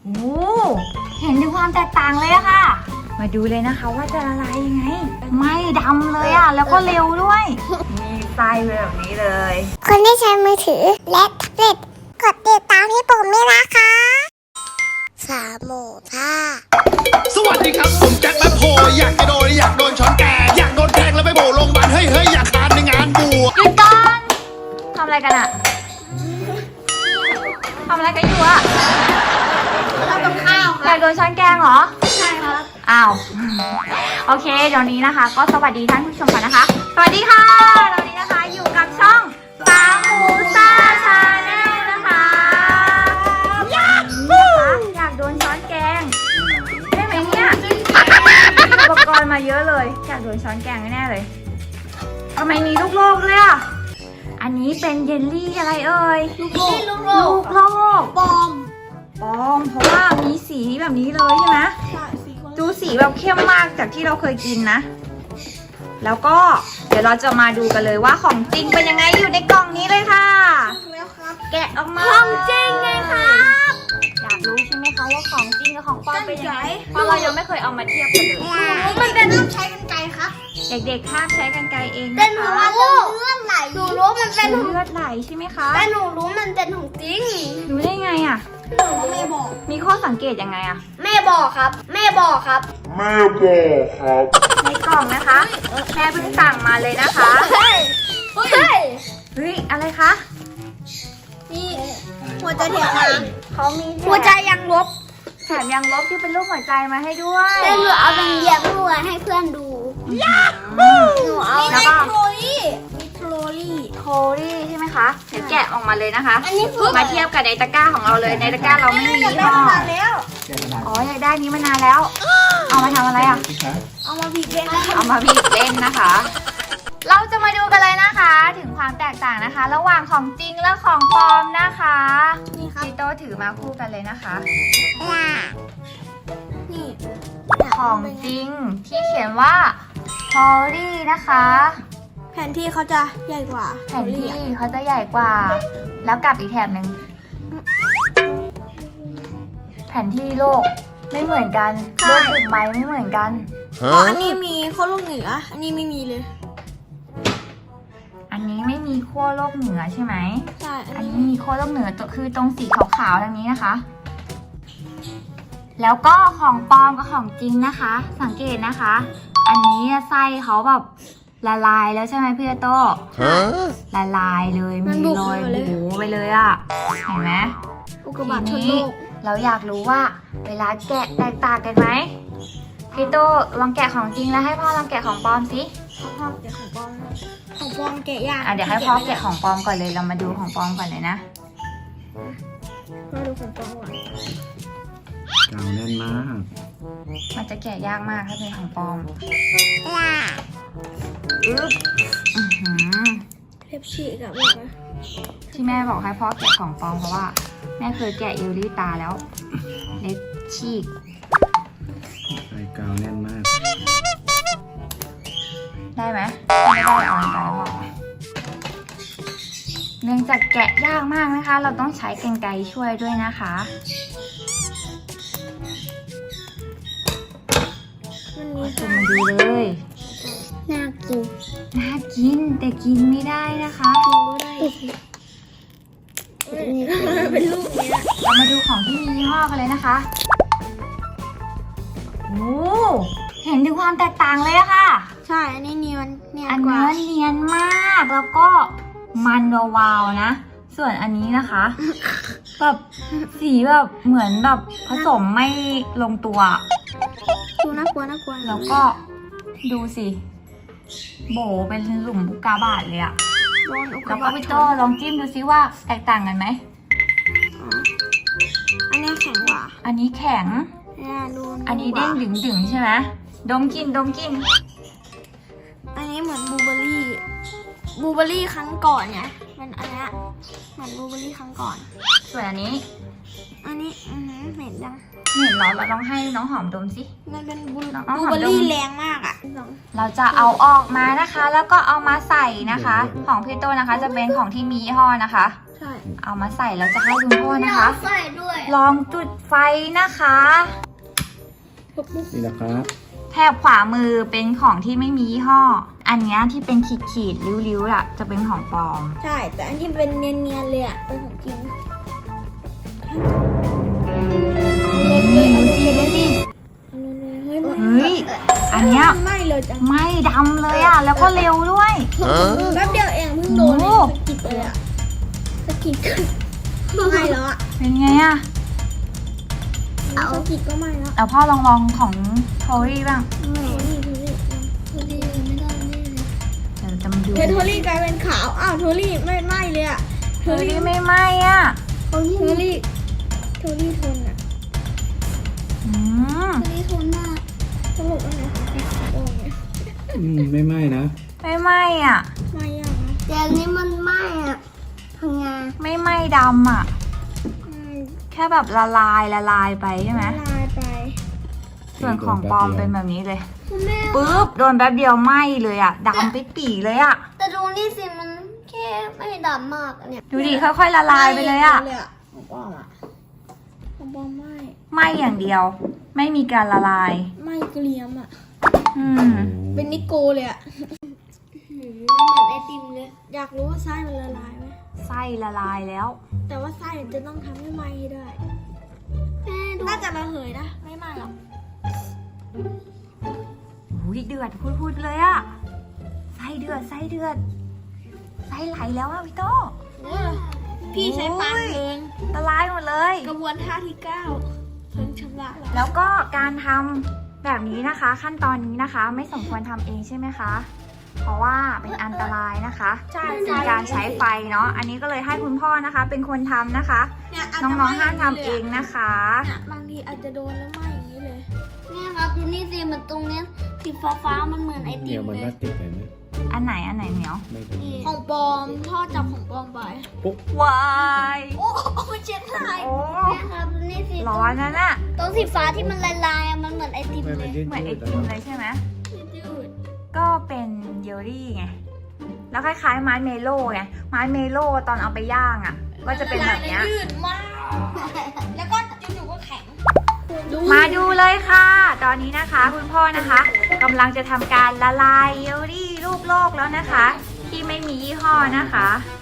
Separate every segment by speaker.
Speaker 1: โอ้เห็นถึงความแตกต่างเลยอะค่ะมาดูเลยนะคะว่าจะละลายยังไงไม่ดำเลยอะแล้วก็เร็วด้วยมีไส้แบบนี้เลย
Speaker 2: คนที่ใช้มือถือและแท็บเล็ตกดติดตามพี่ปุ่มด้วยนะคะสามหมูท่า
Speaker 3: สวัสดีครับผมแจ็คแป๊บโฮอยากจะโดนช้อนแกงอยากโดนแทงแล้วไปโผล่โรงพยาบาลเฮ้ยอยากทานในงานบวช
Speaker 1: หยุดก่อนทำอะไรกันอะทำอะไรกันอยู่อะ
Speaker 2: ทำกับข้าว
Speaker 1: อยากโดนช้อนแกงเหรอ
Speaker 2: ใช่ครับ
Speaker 1: อ้าวโอเคเดี๋ยวนี้นะคะก็สวัสดีท่านผู้ชมกันนะคะสวัสดีค่ะตอนนี้นะคะอยู่กับช่องสามหมูซ่าชาแนลนะคะอยากโดนช้อนแกงใช่ไหมเนี่ยอุปกรณ์มาเยอะเลยอยากโดนช้อนแกงแน่เลยทำไมมีลูกโลกด้วยอ่ะอันนี้เป็นเยลลี่อะไรเอ่ย
Speaker 2: ลูกโลก
Speaker 1: ปอมเพราะว่ามีสีแบบนี้เลยใช่ไหมดูสีแบบเข้มมากจากที่เราเคยกินนะแล้วก็เดี๋ยวเราจะมาดูกันเลยว่าของจริงเป็นยังไงอยู่ในกล่องนี้เลยค่ะแกะออกมา
Speaker 2: ของจริงไงครับ
Speaker 1: อยากรู้ใช่ไหมคะว่าของจริงกับของปลอมเป็นยังไงเพราะเรายังไม่เคยเอามาเทียบกันเลย
Speaker 2: มันเป็นห้ามใช้กรรไกรครับ
Speaker 1: เด็กๆห้ามใช้กรรไกรเองนะคะ
Speaker 2: เป็นเพราะว่าเลือดไหลหนูรู้มันเป็น
Speaker 1: เลือดไหลใช่ไหมคะ
Speaker 2: แต่หนูรู้มันเป็นของจริง
Speaker 1: รู้ได้ไงอ่ะ
Speaker 2: หนูไม่บอก
Speaker 1: มีข้อสังเกตยังไงอ่ะ
Speaker 2: แม่บอกครับในก
Speaker 1: ล่องนะคะแม่เพิ่งสั่งมาเลยนะคะ
Speaker 2: เฮ้ย
Speaker 1: อะไรคะ
Speaker 2: นี่หัวใจเทียมมา
Speaker 1: เขามี
Speaker 2: หัวใจยังลบ
Speaker 1: แถมยังลบที่เป็นรูปหัวใจมาให้ด้วย
Speaker 2: แต่หนูเอาเป็นเหยียบหัวให้เพื่อนดูหนูเอา
Speaker 1: แล้วก็
Speaker 2: โท
Speaker 1: รี่ใช่ไหมคะเดี๋ยวแกะออกมาเลยนะคะ
Speaker 2: อันนี้
Speaker 1: มาเทียบกับในตะกร้าของเราเลยในตะกร้าเราไม่มี
Speaker 2: ยี่ห้อ
Speaker 1: อ๋ออยากได้นี้มานานแล้วเอามาทำอะไรอ่ะ
Speaker 2: เอามาบีบเล่น
Speaker 1: นะคะ เราจะมาดูกันเลยนะคะถึงความแตกต่างนะคะ ระหว่างของจริงและของปลอมนะคะ
Speaker 2: นี่ครับ
Speaker 1: พี่โตถือมาคู่กันเลยนะคะ
Speaker 2: นี่
Speaker 1: ของจริงที่เขียนว่าพอลี่นะคะ
Speaker 2: แผนที่เขาจะใหญ่กว่า
Speaker 1: แผนที่เขาจะใหญ่กว่าแล้วกลับอีกแถบหนึ่งแผนที่โลกไม่เหมือนกันโลกถึงใบไม่เหมือนกัน
Speaker 2: อันนี้มีขั้วโลกเหนืออันนี้ไม่มีเลย
Speaker 1: อันนี้ไม่มีขั้วโลกเหนือใช่ไหม
Speaker 2: ใช่
Speaker 1: อันนี้มีขั้วโลกเหนือคือตรงสีขาวๆทางนี้นะคะแล้วก็ของปลอมกับของจริงนะคะสังเกตนะคะอันนี้ไส้เขาแบบละลายแล้วใช่ไหมพี่โตละลายเลยมีรอยบู๋ไปเลยอ่ะเห็นไหม
Speaker 2: อุกกาบาตชนโลก
Speaker 1: เราอยากรู้ว่าเวลาแกะแตกต่างกันไหมพี่โตลองแกะของจริงแล้วให้พ่อลองแกะของปลอมสิ
Speaker 2: พ่อแกะของปลอมแกะยาก
Speaker 1: เดี๋ยวให้พ่อแกะของปลอมก่อนเลยเรามาดูของปลอมก่อนเลยนะ
Speaker 2: มาดูของปลอมก่อน
Speaker 3: กาวแน่นมาก
Speaker 1: มันจะแกะยากมากถ้าเป็นของปลอม
Speaker 2: เล็บฉีกอะบอกนะ
Speaker 1: ที่แม่บอกให้พ่อแกะของปลอมเพราะว่าแม่เคยแกะเอลลี่ตาแล้วเล็บฉีก
Speaker 3: ใส่กาวแน่นมาก
Speaker 1: ได้ไหมไม่ได้เอาไปบอกเนื่องจากแกะยากมากนะคะเราต้องใช้กรรไกรช่วยด้วยนะคะมาดูเลย
Speaker 2: น่ากิ
Speaker 1: นแต่กินไม่ได้นะคะ
Speaker 2: เป็นลูกเนี้ย
Speaker 1: เรามาดูของที่มียี่ห้อกันเลยนะคะโอ้เห็นถึงความแตกต่างเลยอะค่ะ
Speaker 2: ใช่อันนี้เนียน
Speaker 1: กว่าเนียนมากแล้วก็มันวาวนะส่วนอันนี้นะคะแบบสีแบบเหมือนแบบผสมไม่ลงตัว
Speaker 2: ดูน่ากลัว
Speaker 1: แล้วก็ดูสิโบเป็นหลุมอุกกาบาตเลยอะแล้วก็พี่โตลองจิ้มดูซิว่าแตกต่างกันไหม
Speaker 2: อันนี้แข็งกว่า
Speaker 1: อันนี้แข็งอันนี้เด้งดึงใช่ไหมดมกิน
Speaker 2: อันนี้เหมือนบลูเบอรี่ครั้งก่อนไงมันอันนี้เหมือนบลูเบอรี่ครั้งก่อน
Speaker 1: ส่วนอันนี้
Speaker 2: เหม็นจัง
Speaker 1: เหม็นเราต้องให้น้องหอมดมสิ
Speaker 2: มันเป็นบลูเบอรี่แรงมากอ่ะ
Speaker 1: เราจะเอาออกมานะคะแล้วก็เอามาใส่นะคะของพี่โตนะคะจะเป็นของที่มียี่ห้อนะคะ
Speaker 2: ใช่
Speaker 1: เอามาใส่แล้วจะให้คุณพ่อนะคะ
Speaker 2: ใส่ด้วย
Speaker 1: ลองจุดไฟนะคะ
Speaker 4: นี่นะครับ
Speaker 1: แถบขวามือเป็นของที่ไม่มียี่ห้อ อันเนี้ยที่เป็นขีดๆริ้วๆอะจะเป็นของปลอม
Speaker 2: ใช่ แต่อันที่เป็นเนียนๆเลยอ่ะเป็นของจริง
Speaker 1: นี่ดูสิดูสิ
Speaker 2: เฮ้ย
Speaker 1: เฮ้ย อันเนี้ย
Speaker 2: ไม่เลยจัง
Speaker 1: ไหม่ดำเลยอะแล้วก็เร็วด้วย
Speaker 2: แป๊บเดียวเองเพิ่งโดน
Speaker 1: โอ้
Speaker 2: สะกิดเลยอ่ะสะกิดไม่แล้วอ่ะ
Speaker 1: เป็นไงอะ
Speaker 2: สะกิดก็ไม่แล้ว
Speaker 1: เอาพ่อลองของโทรี่บ้าง
Speaker 2: นี่ไม่ได้แน่เลย
Speaker 1: เดี๋ยวจะมาดู
Speaker 2: โทรี่กลายเป็นขาวอ้าวโทรี่ไม่ไหม้เลยอ่ะ
Speaker 1: โทรี่ไม่ไหม้อะ
Speaker 2: โทรี่ทนอ่ะ
Speaker 1: อืม
Speaker 2: โทรี่ทนมากสรุปว่าไงโอ้ย
Speaker 4: ไม่ไหม้นะ
Speaker 1: ไม่ไหม้อะ
Speaker 2: ไม่ยากนะแต่อันนี้มันไหม้อ่ะทำงาน
Speaker 1: ไม่ไหม้ดำอะแค่แบบละลายไปใช่ไหม
Speaker 2: ละลายไป
Speaker 1: ส่วนของปลอมเป็นแบบนี้เลย
Speaker 2: คุณแม่
Speaker 1: ปึ๊บโดนแป๊บเดียวไหม้เลยอะดำไปปีเลยอะ
Speaker 2: แต่ดูนี่สิมันแค่ไม่ดำมากอะเนี่ย
Speaker 1: ดูดิค่อยๆละลายไปเลยอะ
Speaker 2: ของปลอมอ่ะของปลอมไม่
Speaker 1: ไหม้อย่างเดียว ไม่มีการละลาย
Speaker 2: ไม่เกลียมอ่ะ
Speaker 1: อืม
Speaker 2: เป็นนิโกเลยอ่ะเหมือนไอติมเลย อยากรู้ว่าไส้มันละลายไหม
Speaker 1: ไส้ละลายแล้ว
Speaker 2: แต่ว่าไส้จะต้องทำให้ไหม้ให้ได้น่าจะระเหยนะ ไม่ไหม้หรอก
Speaker 1: อุ้ยเดือดพูดเลยอะไส้เดือดไส้ไหลแล้วอะพี่โต
Speaker 2: พี่ใช้ปานเพลิง
Speaker 1: ละลายหมดเลย
Speaker 2: กระบวนท่าที่ 9 เพลิงชำระแล้ว
Speaker 1: แล้วก็การทำแบบนี้นะคะ ขั้นตอนนี้นะคะ ไม่สมควรทำเองใช่ไหมคะ เพราะว่าเป็นอันตรายนะคะ
Speaker 2: ใช่
Speaker 1: เป็นการใช้ไฟเนาะอันนี้ก็เลยให้คุณพ่อนะคะ เป็นคนทำนะคะ
Speaker 2: เนี่ยาจ
Speaker 1: น้
Speaker 2: จะ
Speaker 1: องๆห้ามทำเองนะคะ
Speaker 2: เนี่ยบางทีอาจจะโดนแล้วไหม้อย่างนี้เลยเนี่ยครับดูนี่สิมันตรงเนี้ยสีฟ้ามันเหมือนไอติ
Speaker 4: เดี๋ยว
Speaker 2: ม
Speaker 4: มัน
Speaker 2: เล
Speaker 4: ก็
Speaker 2: ย
Speaker 4: ติดเลยนะ
Speaker 1: อันไหนเหนียว
Speaker 4: ไม่เป็นไร
Speaker 2: ของปลอมพ่อจับของปลอมไป
Speaker 1: วาย
Speaker 2: โอ้มันเช็ดได้
Speaker 1: โอ้
Speaker 2: เนี่ยครับดูนี่สิ
Speaker 1: ร้อนนะน่ะ
Speaker 2: ตรงสีฟ้าที่มันละลายอะมันเหมือนไอติม
Speaker 4: ไม่
Speaker 2: เล
Speaker 4: เป็น
Speaker 2: ย
Speaker 4: ยืด
Speaker 1: เหมือนไอ
Speaker 4: ยืด
Speaker 1: ติมเลยใช่ไหม
Speaker 2: ยืด
Speaker 1: ก็เป็นเยลลี่ไง แล้วคล้ายๆมาร์ชเมลโล่ไง มาร์ชเมลโล่ตอนเอาไปย่างอ่ะ ก็จะเป็นแบบเนี้ย
Speaker 2: ยืดมาก แล้วก็อยู่ๆก็แข็ง
Speaker 1: มาดูเลยค่ะ ตอนนี้นะคะ คุณพ่อนะคะกำลังจะทำการละลายเยลลี่รูปโลกแล้วนะคะ ที่ไม่มียี่ห้อนะคะ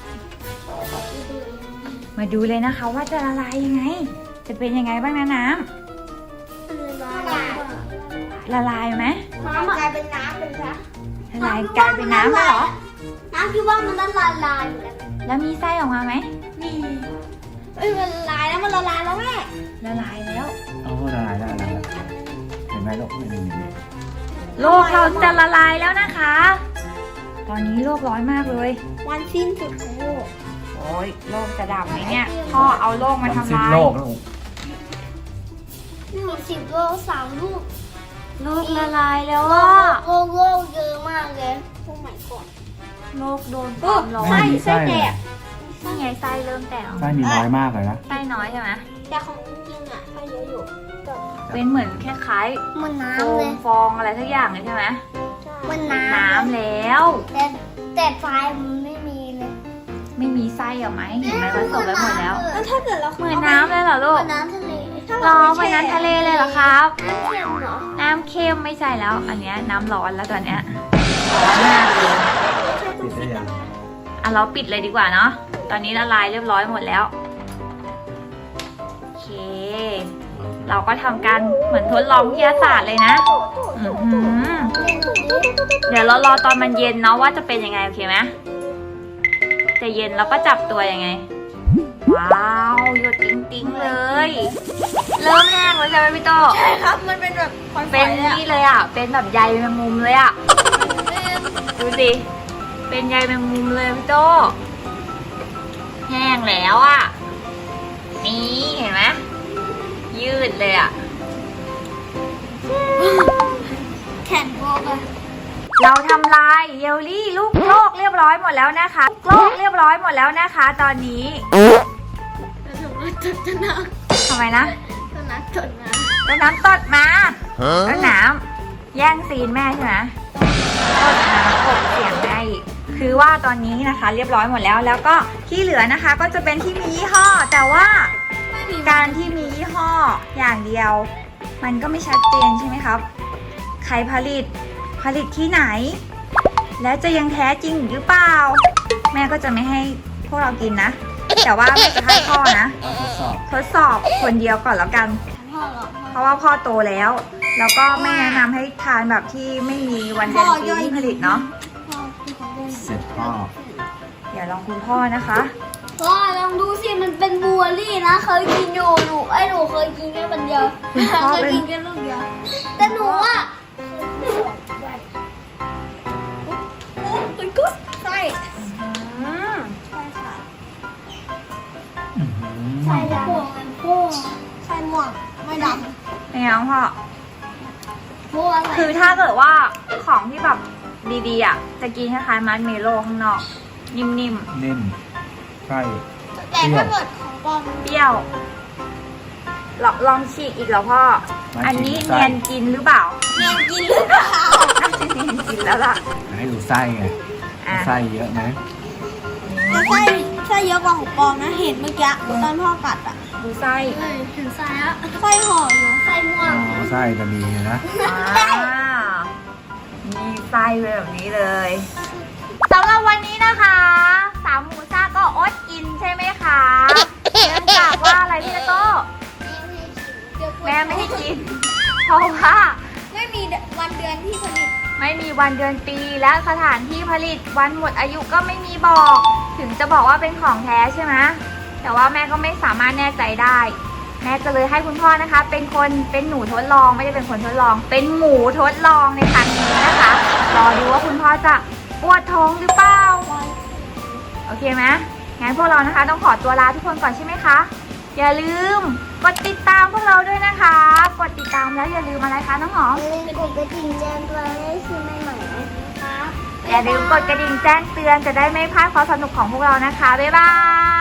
Speaker 1: มาดูเลยนะคะว่าจะละลายยังไง จะเป็นยังไงบ้างนะน้ำละลายไหม
Speaker 2: น้ำกลายเป็นน้ำเป็นซะ
Speaker 1: ละลายกลายเป็นน้ำแล้วเหรอ
Speaker 2: น้ำที่ว่ามันละลายอยู่แล้ว
Speaker 1: แล้วมีไส้ออกมาไหม
Speaker 2: นี่เอ้ยมันละลายแล้วมันละลายแล้วแม่
Speaker 1: ละลายแล้ว
Speaker 4: เอาละลายละลายละเห็นไหมลูกไม่มี
Speaker 1: โลกเราจะละลายแล้วนะคะ ตอนนี้โลกร้อนมากเลย
Speaker 2: วันสิ้นสุดของโลก
Speaker 1: โอ้ยโลกจะดับไหมเนี่ย พ่อเอาโลกมาทำลาย
Speaker 4: โลกลูก
Speaker 2: 10 โล3 ลูก
Speaker 1: โลกละลายแล้วอ่ะ
Speaker 2: โลกเยอะมากเลยโอ้ไม่กอด
Speaker 1: โลกโดนความร้อน
Speaker 4: ไม่มีไส้เลย
Speaker 1: นี่ไงไส้เริ่มแตกออก
Speaker 4: ไส้มีน้อยมากเลยนะ
Speaker 1: ไส้น้อยใช่ไหม
Speaker 2: แต่ของจริงอ่ะไฟเยอะอยู่
Speaker 1: เป็นเหมือนคล้าย
Speaker 2: มัน
Speaker 1: ๆโฟ
Speaker 2: น้ำเลย
Speaker 1: มฟองอะไรทุกอย่างเลยใช่ไหม
Speaker 2: มัน
Speaker 1: น้ำแล้ว
Speaker 2: แต่ไฟมันไม่มีเลย
Speaker 1: ไม่มีไส้เหรอไหมเห็นไหมผสมไปหมดแล้ว
Speaker 2: แล้วถ้าเกิดเรา
Speaker 1: เหมือนน้ำเลยเหรอลูก
Speaker 2: น้ำทะเล
Speaker 1: รอเหมือนน้ำทะเลเลยเหรอครับ
Speaker 2: น้ำเค็มเหรอ
Speaker 1: น้ำเค็มไม่ใช่แล้ว อันเนี้ยน้ำร้อนแล้วตอนเนี้ยร้อนมากเลย
Speaker 4: ติดได้ยัง
Speaker 1: อ่ะเราปิดเลยดีกว่าเนาะ ตอนนี้ละลายเรียบร้อยหมดแล้ว โอเค เราก็ทำการเหมือนทดลองวิทยาศาสตร์เลยนะอื้อหือเดี๋ยวเรารอตอนมันเย็นเนาะว่าจะเป็นยังไงโอเคไหมจะเย็นเราก็จับตัวยังไง ว้าวหยดติ้งๆเลย เริ่มแห้งแล้วใช่ไหมพี่โต
Speaker 2: ใช่ครับ มันเป็นแบบฝอยๆ
Speaker 1: เป็น
Speaker 2: เลยอะ
Speaker 1: นี่เลยอ่ะ เป็นแบบใยแมงมุมเลยอ่ะ ดูสิ เป็นใยแมงมุมเลยพี่โตแห้งแล้วอ่ะ นี่เห็นไหมยืดเลยอ่ะ
Speaker 2: แข็งโบกอะ
Speaker 1: เราทำลายเยลลี่ลูกโลกเรียบร้อยหมดแล้วนะคะโลกเรียบร้อยหมดแล้วนะคะ ตอนนี้
Speaker 2: แล้วถึงว่าจะน้
Speaker 1: ทำไมนะ
Speaker 2: ำจะน้ำจดน้
Speaker 1: ต้นน้ำตดมาต้นน้ำแย่งซีนแม่ใช่ไหมต้นน้ำกบเสียงแม่อีกคือว่าตอนนี้นะคะเรียบร้อยหมดแล้ว แล้วก็ที่เหลือนะคะก็จะเป็นที่มียี่ห้อ แต่ว่าการที่มียี่ห้ออย่างเดียว มันก็ไม่ชัดเจนใช่ไหมครับ ใครผลิตที่ไหน และจะยังแท้จริงหรือเปล่า แม่ก็จะไม่ให้พวกเรากินนะ แต่ว่าแม่จะให้พ่อนะ
Speaker 4: เราทดสอบ
Speaker 1: ทดสอบคนเดียวก่อนแล้วกัน เพราะว่าพ่อโตแล้ว แล้วก็ไม่แนะนำให้ทานแบบที่ไม่มีวันเดือนปีที่ผลิตเนาะ
Speaker 4: เสร็จพ่อ
Speaker 1: เดี๋ยวลองคุณพ่อนะคะ
Speaker 2: พ่อลองดูสิมันเป็นบลูเบอร์รี่นะเคยกินอยู่หนูเคยกินแค่วันเดียวเคยกินแค่ลูกเดียวแต่หนูอ่ะมันก็ใช่ใช่ดำใช่ม่วงไม่ดำ
Speaker 1: ไม่เอาพ่อ
Speaker 2: ม่วง
Speaker 1: คือถ้าเกิดว่าของที่แบบดีๆอ่ะ จะกินคล้ายๆมัสเมโล่ข้างนอก นิ่ม
Speaker 4: นิ่มใช่
Speaker 2: แต่ถ้าเกิดของปลอม
Speaker 1: ๆ เปรี้ยว ลองฉีกอีกแล้วพ่อ อันนี้เนียนกินหรือเปล่า
Speaker 2: เนียนกินหรือเปล่า
Speaker 1: น่าจะเนียนกินแล้วล่ะ
Speaker 4: ให้ดูไส้ไง
Speaker 1: อ่ะ
Speaker 4: ไส้เยอะไหม
Speaker 2: แต่ไส้เยอะกว่าของปลอมนะเห็นเมื่อกี้ตอนพ่อกัดอ่ะ
Speaker 1: ดูไส้
Speaker 2: เห็นไส้อะไส้ห่ออยู่ไส้ม่ว
Speaker 4: อ๋
Speaker 2: ง
Speaker 4: อไส้จะมีนะ
Speaker 1: มีไส้แบบนี้เลยสำหรับวันนี้นะคะสามหมูซ่าก็อดกินใช่ไหมคะเนื่องจากว่าอะไรพี่โต้แม่ไม่ให้กิน เพราะว่า
Speaker 2: ไม่มีวันเดือนที่ผลิต
Speaker 1: ไม่มีวันเดือนปีและสถานที่ผลิตวันหมดอายุก็ไม่มีบอก ถึงจะบอกว่าเป็นของแท้ใช่ไหมแต่ว่าแม่ก็ไม่สามารถแน่ใจได้ แม่ก็เลยให้คุณพ่อนะคะ เป็นหนูทดลองไม่ได้เป็นคนทดลอง เป็นหมูทดลองในครั้งนี้นะคะรอดูว่าคุณพ่อจะปวดท้องหรือเปล่าโอเคไหมงั้นพวกเรานะคะต้องขอตัวลาทุกคนก่อนใช่ไหมคะอย่าลืมกดติดตามพวกเราด้วยนะคะ กดติดตามแล้วอย่าลืมอะไรคะน้องหอม
Speaker 2: กดกระดิ่งแจ้งเตือนให้ซื้อใหม่ๆนะครับ
Speaker 1: อย่าลืมกดกระดิ่งแจ้งเตือนจะได้ไม่พลาดความสนุกของพวกเรานะคะบ๊ายบาย